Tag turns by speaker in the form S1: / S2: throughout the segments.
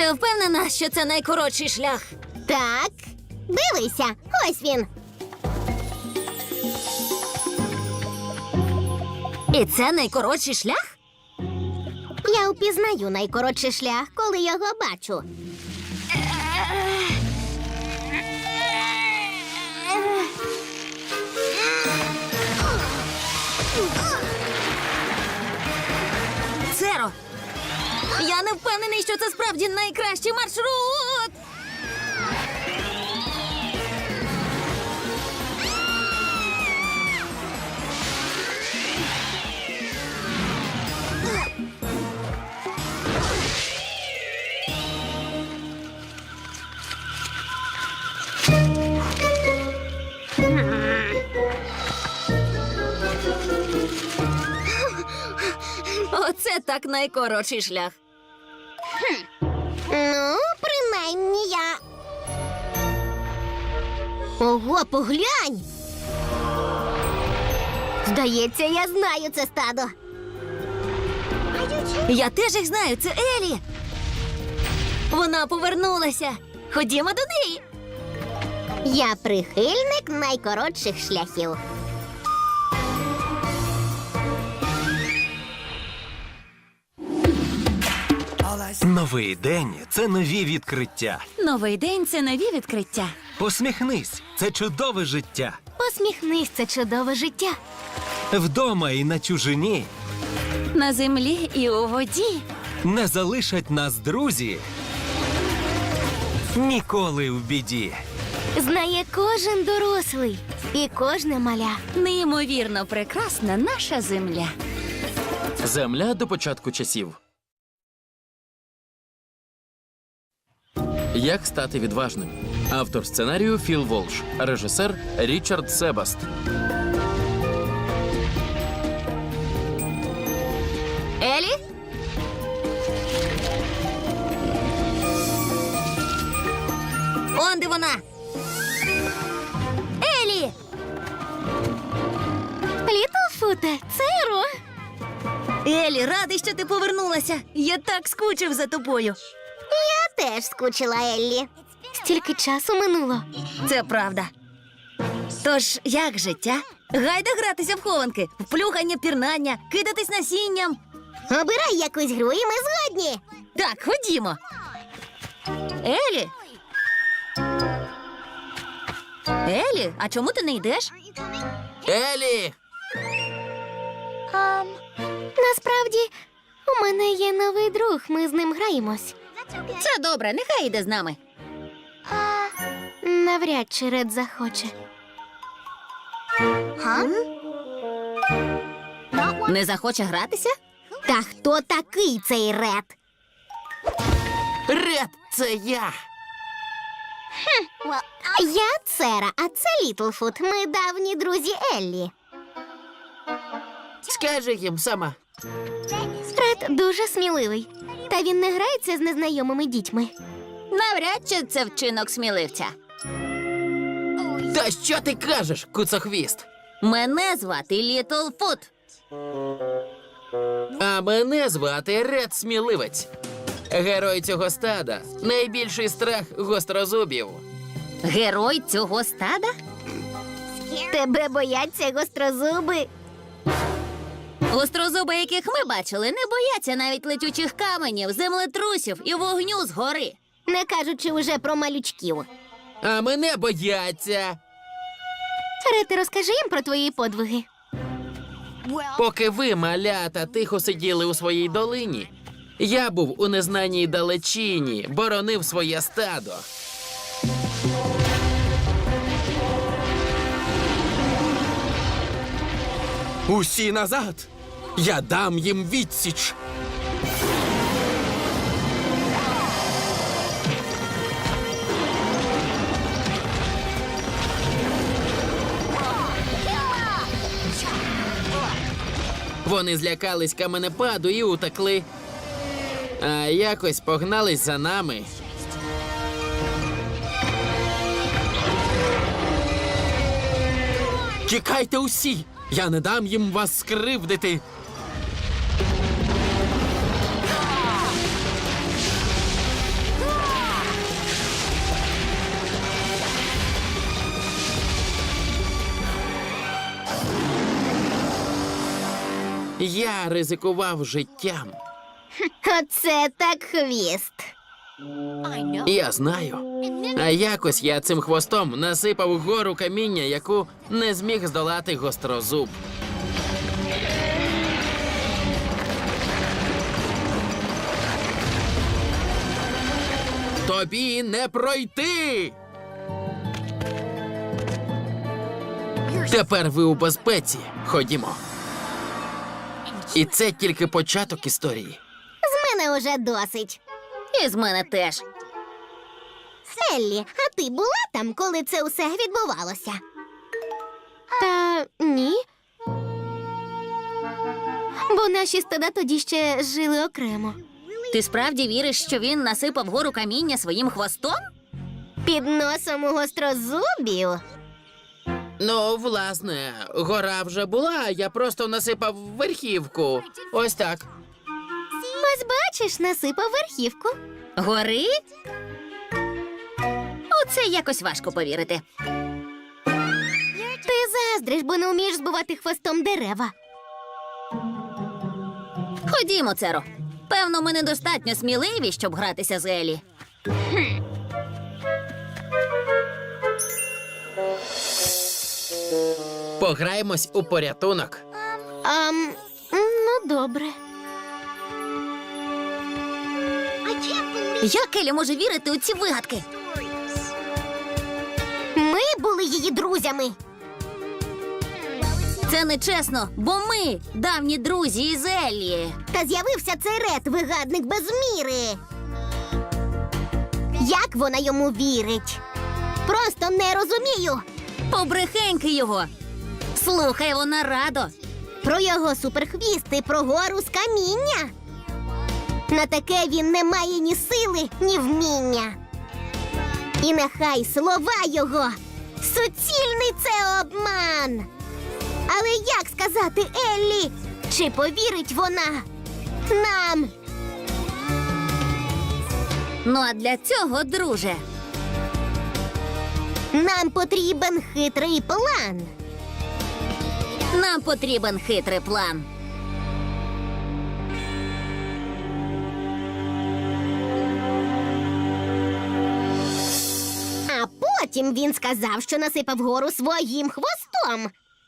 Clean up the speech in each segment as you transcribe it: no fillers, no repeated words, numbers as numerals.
S1: Ти впевнена, що це найкоротший шлях?
S2: Так, дивися, ось він.
S1: І це найкоротший шлях?
S2: Я впізнаю найкоротший шлях, коли його бачу.
S1: Церо! Я не впевнений, що це справді найкращий маршрут! Оце так найкоротший шлях.
S2: Ну, принаймні я. Ого, поглянь! Здається, я знаю це стадо.
S1: Я теж їх знаю, це Елі. Вона повернулася. Ходімо до неї.
S2: Я прихильник найкоротших шляхів.
S3: Новий день – це нові відкриття.
S1: Новий день – це нові відкриття.
S3: Посміхнись – це чудове життя.
S1: Посміхнись, це чудове життя.
S3: Вдома і на чужині
S1: На землі і у воді.
S3: не залишать нас друзі. Ніколи в біді.
S2: Знає кожен дорослий і кожне маля.
S1: Неймовірно прекрасна наша земля.
S4: Земля до початку часів. Як стати відважним? Автор сценарію Філ Волш. Режисер Річард Себаст.
S1: Елі? Он де вона? Елі!
S2: Літлфуте, Церо!
S1: Елі, радий, що ти повернулася. Я так скучив за тобою.
S2: Я теж скучила, Еллі. Стільки часу минуло.
S1: Це правда. Тож, як життя? Гайда гратися в хованки, в плюхання, пірнання, кидатись насінням.
S2: Обирай якусь гру, і ми згодні.
S1: Так, ходімо. Елі? Елі, а чому ти не йдеш?
S4: Елі!
S2: Насправді, у мене є новий друг, ми з ним граємось.
S1: Це добре, нехай йде з нами.
S2: Навряд чи Ред захоче.
S1: Не захоче гратися?
S2: Та хто такий цей Ред?
S4: Ред, це я!
S2: Я Цера, а це Літлфут. Ми давні друзі Еллі.
S4: Скажи їм сама.
S2: Ред дуже сміливий. Та він не грається з незнайомими дітьми.
S1: Навряд чи це вчинок сміливця.
S4: Та що ти кажеш, куцохвіст?
S1: Мене звати Літлфут.
S4: А мене звати Ред Сміливець. Герой цього стада. Найбільший страх гострозубів.
S1: Герой цього стада?
S2: Тебе бояться гострозуби.
S1: Гострозуби, яких ми бачили, не бояться навіть летючих каменів, землетрусів і вогню згори.
S2: Не кажучи вже про малючків.
S4: А мене бояться.
S2: Ред, розкажи їм про твої подвиги.
S4: Поки ви, малята, тихо сиділи у своїй долині, я був у незнаній далечині, боронив своє стадо. Усі назад! Я дам їм відсіч! Вони злякались каменепаду і утекли. А якось погнались за нами. Тікайте усі! Я не дам їм вас скривдити! Я ризикував життям.
S2: Оце так хвіст.
S4: Я знаю. А якось я цим хвостом насипав гору каміння, яку не зміг здолати гострозуб. Тобі не пройти! Тепер ви у безпеці. Ходімо. І це тільки початок історії.
S2: З мене уже досить.
S1: І з мене теж.
S2: Еллі, а ти була там, коли це усе відбувалося? Та ні. Бо наші стада тоді ще жили окремо.
S1: Ти справді віриш, що він насипав гору каміння своїм хвостом?
S2: Під носом у гострозубів.
S4: Ну, власне, гора вже була, я просто насипав верхівку. Ось так.
S2: Ось бачиш, насипав верхівку.
S1: Гори? У це якось важко повірити.
S2: Ти заздриш, бо не вмієш збивати хвостом дерева.
S1: Ходімо, Церо. Певно, ми недостатньо сміливі, щоб гратися з Елі.
S4: Пограємось у порятунок.
S2: Ну, добре.
S1: Як Елі може вірити у ці вигадки?
S2: Ми були її друзями.
S1: Це нечесно, бо ми давні друзі із Еллі.
S2: Та з'явився цей Ред, вигадник без міри. Як вона йому вірить? Просто не розумію.
S1: Побрехеньки його. Слухай, вона радо.
S2: Про його суперхвіст і про гору з каміння. На таке він не має ні сили, ні вміння. І нехай слова його суцільний це обман. Але як сказати Еллі, чи повірить вона нам?
S1: Ну а для цього, друже,
S2: Нам потрібен хитрий план.
S1: нам потрібен хитрий план.
S2: А потім він сказав, що насипав гору своїм хвостом.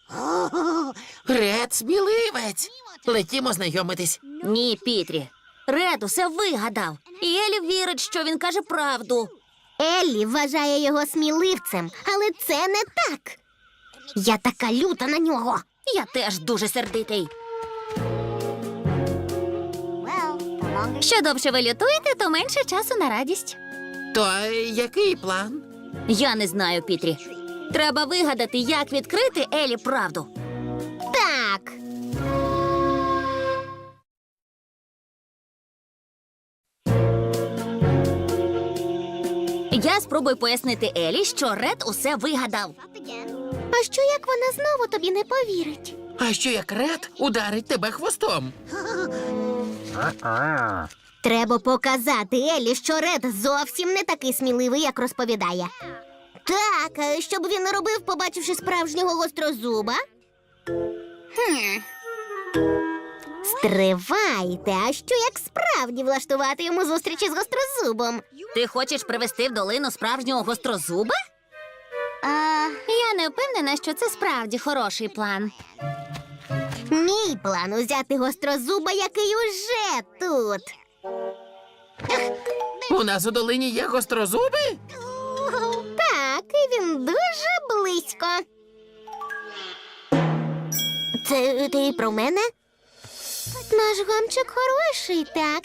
S4: Ред сміливець. Летімо знайомитись.
S1: Ні, Пітрі. Ред усе вигадав. І Елі вірить, що він каже правду.
S2: Еллі вважає його сміливцем, але це не так. Я така люта на нього.
S1: Я теж дуже сердитий. Що довше ви лютуєте, то менше часу на радість.
S4: То який план?
S1: Я не знаю, Пітрі. Треба вигадати, як відкрити Елі правду.
S2: Так.
S1: Я спробую пояснити Елі, що Ред усе вигадав.
S2: А що як вона знову тобі не повірить?
S4: А що як Ред ударить тебе хвостом?
S2: Треба показати Еллі, що Ред зовсім не такий сміливий, як розповідає. Так, а щоб він не робив, побачивши справжнього гострозуба? Стривайте, а що як справді влаштувати йому зустрічі з гострозубом?
S1: Ти хочеш привести в долину справжнього гострозуба? Я не впевнена, що це справді хороший план.
S2: Мій план узяти гострозуба, який уже тут.
S4: У нас у долині є гострозуби?
S2: Так, і він дуже близько. Це ти про мене? Наш гамчик хороший, так.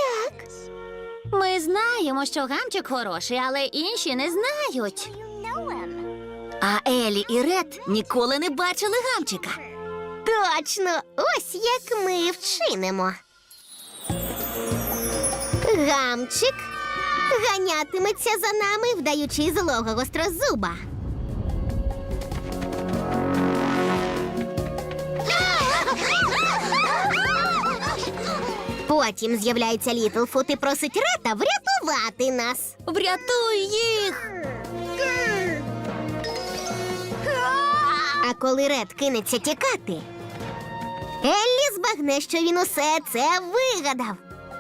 S1: Ми знаємо, що гамчик хороший, але інші не знають. А Елі і Ред ніколи не бачили гамчика.
S2: Точно, ось як ми вчинимо. Гамчик ганятиметься за нами, вдаючи злого гострозуба. Потім з'являється Літлфут і просить Рета врятувати нас.
S1: Врятуй їх!
S2: А коли Ред кинеться тікати, Еллі збагне, що він усе це вигадав.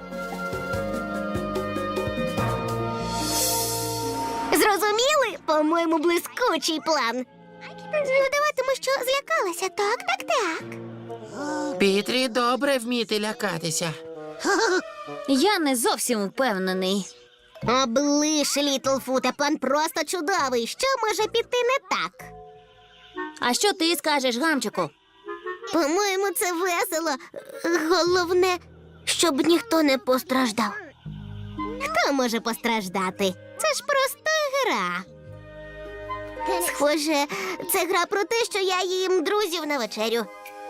S2: Зрозуміли? По-моєму, блискучий план. Ну, даватиму, що злякалася. Так.
S4: Пітрі добре вміти лякатися.
S1: Я не зовсім впевнений.
S2: Облиш, Літлфуте, план просто чудовий. Що може піти не так?
S1: А що ти скажеш, Гамчику?
S2: По-моєму, це весело. Головне, щоб ніхто не постраждав. Хто може постраждати? Це ж просто гра. Схоже, це гра про те, що я їм друзів на вечерю.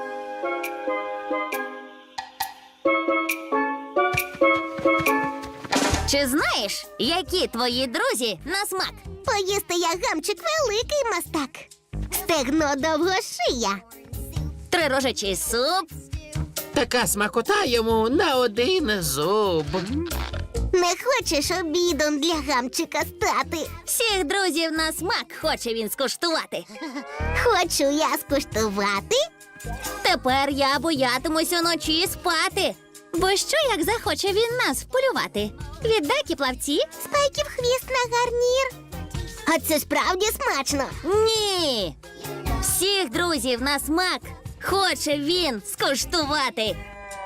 S1: Чи знаєш, які твої друзі на смак?
S2: Поїсти я, Гамчик, великий мастак. Стегно довгошия.
S1: Трирожачий суп,
S4: Така смакота йому на один зуб.
S2: Не хочеш обідом для Гамчика стати?
S1: всіх друзів на смак хоче він скуштувати.
S2: Хочу я скуштувати.
S1: Тепер я боятимусь уночі спати. Бо що, як захоче він нас вполювати? Віддакі плавці?
S2: Спайків хвіст на гарнір. А це справді смачно.
S1: Ні. Всіх друзів на смак хоче він скуштувати.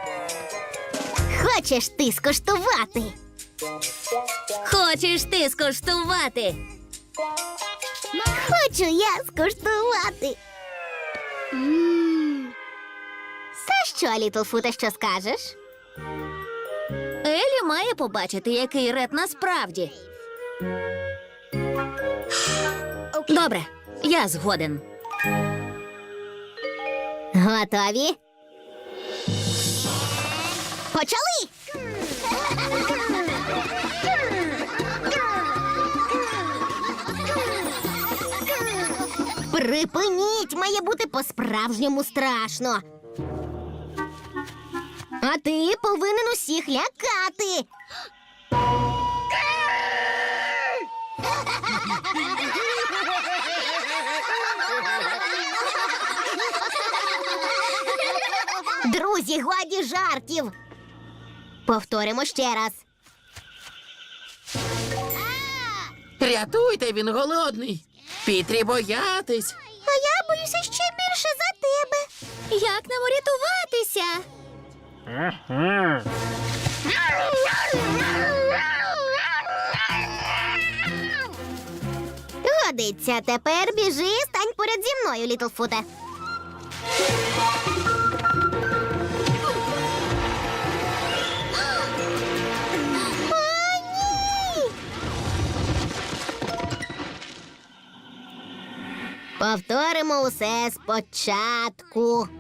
S2: Хочеш ти скуштувати?
S1: Хочеш ти скуштувати?
S2: Хочу я скуштувати. Та що, Літлфуте, що скажеш?
S1: Елі має побачити, який Ред насправді. Добре, я згоден.
S2: Готові? Почали! Припиніть! Має бути по-справжньому страшно. А ти повинен усіх лякати. Друзі, годі жартів. Повторимо ще раз.
S4: Рятуйте, він голодний. Пітрі боятись.
S2: А я боюся ще більше за тебе.
S1: Як нам урятуватися?
S2: Годиться, тепер біжи, стань поряд зі мною, Літлфуте. О, ні! Повторимо усе спочатку.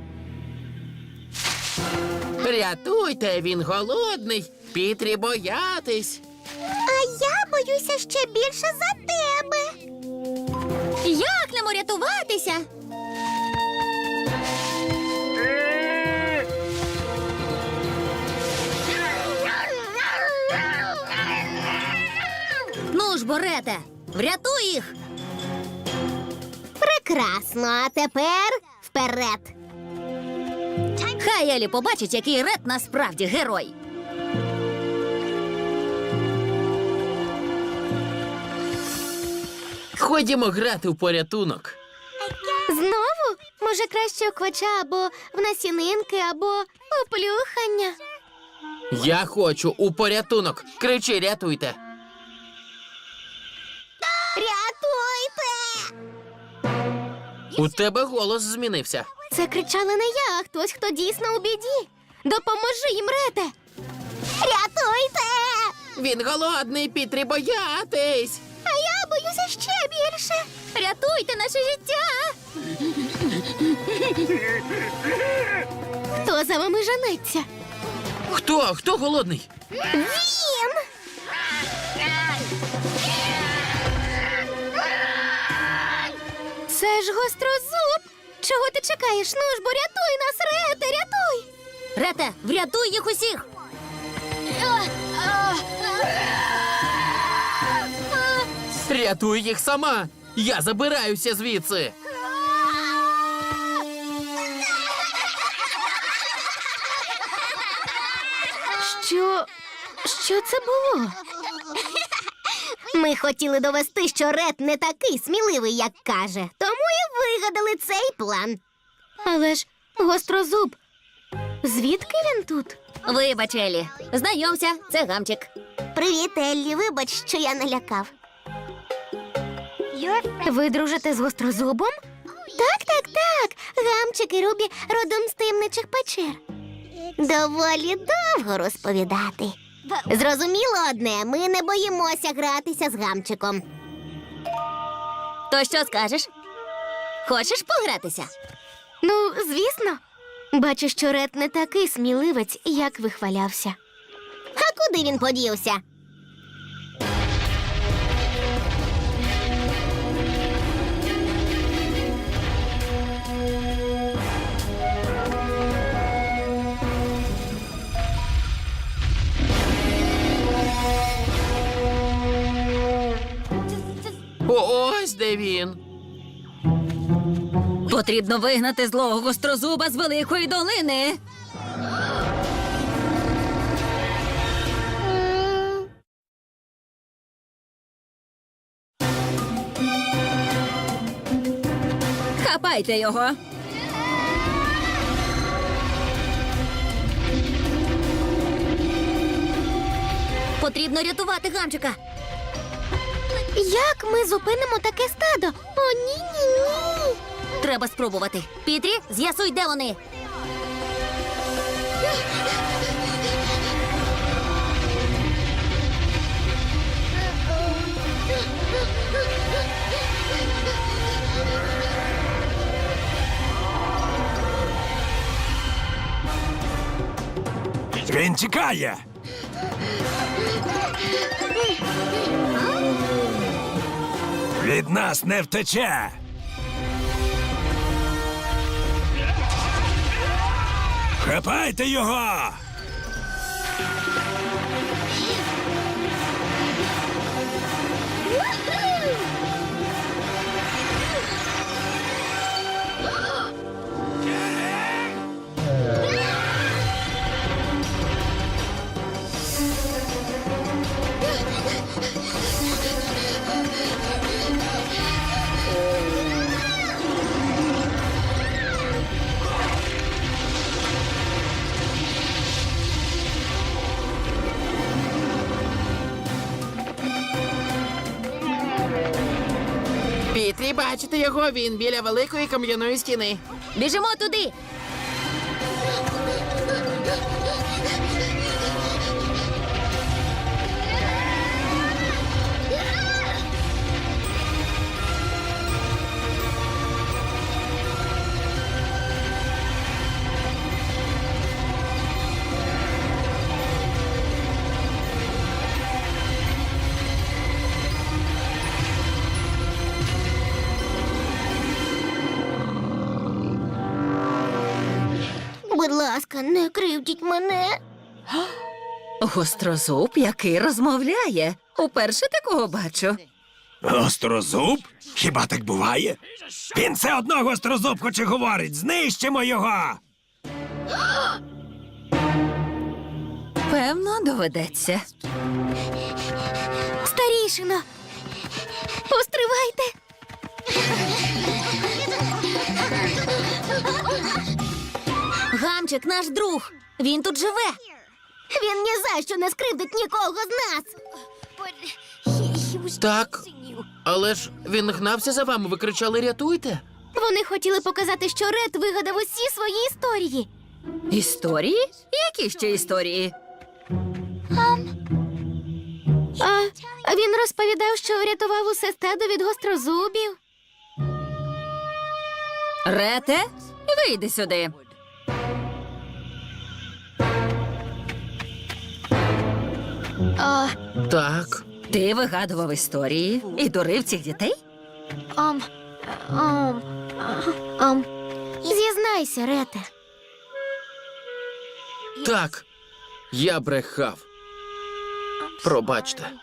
S4: Рятуйте, він голодний. Пітрі боятись.
S2: А я боюся ще більше за тебе.
S1: Як нам урятуватися? Ну ж, Борете, врятуй їх!
S2: Прекрасно, а тепер вперед.
S1: Хай Елі побачить, який Ред насправді герой.
S4: Ходімо грати в порятунок.
S2: Знову? Може, краще у квача або в насінинки, або у плюхання.
S4: Я хочу у порятунок. Кричи, рятуйте.
S2: Рятуйте!
S4: У тебе голос змінився.
S2: Це кричала не я, а хтось, хто дійсно у біді. Допоможи їм, Рете! Рятуйте!
S4: Він голодний, Пітрі боятись.
S2: А я боюся ще більше.
S1: Рятуйте наше життя!
S2: Хто за вами женеться?
S4: Хто? Хто голодний?
S2: Він! Це ж гострозуб! Чого ти чекаєш? Ну ж, бо рятуй нас, Рете, рятуй!
S1: Рете, врятуй їх усіх!
S4: Рятуй їх сама. Я забираюся звідси.
S2: Що це було? Ми хотіли довести, що Ред не такий сміливий, як каже. Тому і вигадали цей план. Але ж гострозуб. Звідки він тут?
S1: Вибач, Елі. Знайомся, це Гамчик.
S2: Привіт, Еллі. Вибач, що я налякав. Ви дружите з гострозубом? Так. Гамчик і Рубі родом з таємничих печер. Доволі довго розповідати. Зрозуміло одне, ми не боїмося гратися з Гамчиком.
S1: То що скажеш? Хочеш погратися?
S2: Ну, звісно. Бачу, що Ред не такий сміливець, як вихвалявся. А куди він подівся?
S4: Ось де він.
S1: Потрібно вигнати злого гострозуба з Великої долини. Хапайте його. Потрібно рятувати Гамчика.
S2: Як ми зупинимо таке стадо? О, ні.
S1: Треба спробувати. Пітрі, з'ясуй, де вони.
S3: Він тікає. Від нас не втече. Хапайте його!
S4: Пітрі, бачите його? Він біля великої кам'яної стіни.
S1: Біжимо туди.
S2: Будь ласка, не кривдіть мене.
S1: Гострозуб, який розмовляє. Уперше такого бачу.
S3: Гострозуб? Хіба так буває? Він все одно гострозуб хоч і говорить. Знищимо його!
S1: Певно, доведеться.
S2: Старішино, постривайте.
S1: Гамчик наш друг. Він тут живе.
S2: Він ні за що не скривдить нікого з нас.
S4: Так, але ж він гнався за вами, ви кричали «рятуйте».
S2: Вони хотіли показати, що Ред вигадав усі свої історії.
S1: Історії? Які ще історії?
S2: А він розповідав, що врятував усе стадо від гострозубів.
S1: Рете, вийди сюди.
S4: Так.
S1: Ти вигадував історії і дурив цих дітей?
S2: Зізнайся, Рете.
S4: Так. Я брехав. Пробачте.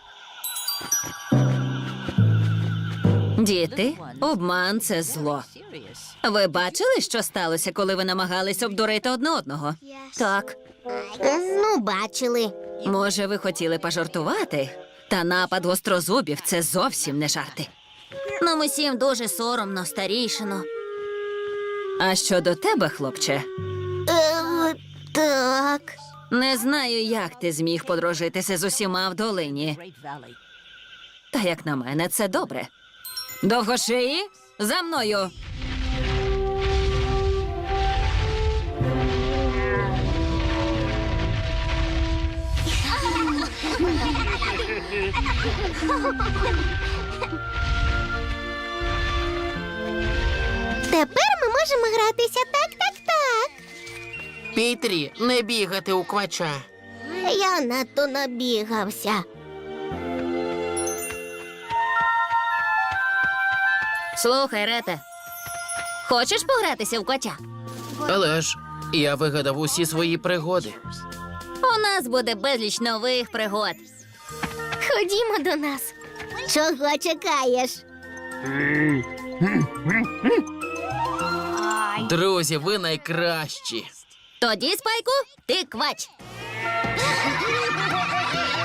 S1: Діти, обман – це зло. Ви бачили, що сталося, коли ви намагались обдурити одне одного? Так.
S2: Ну, бачили.
S1: Може, ви хотіли пожартувати? Та напад гострозубів це зовсім не жарти. Нам усім дуже соромно, старійшино. А щодо тебе, хлопче,
S2: Так.
S1: не знаю, як ти зміг подружитися з усіма в долині. Та як на мене, це добре. Довгошиї, за мною.
S2: Тепер ми можемо гратися так.
S4: Пітрі, не бігати у квача.
S2: Я надто набігався.
S1: Слухай, Рете, хочеш погратися в котя?
S4: Але ж я вигадав усі свої пригоди.
S1: У нас буде безліч нових пригод.
S2: Ходімо до нас. Чого чекаєш?
S4: Друзі, ви найкращі.
S1: Тоді, Спайку, ти квач.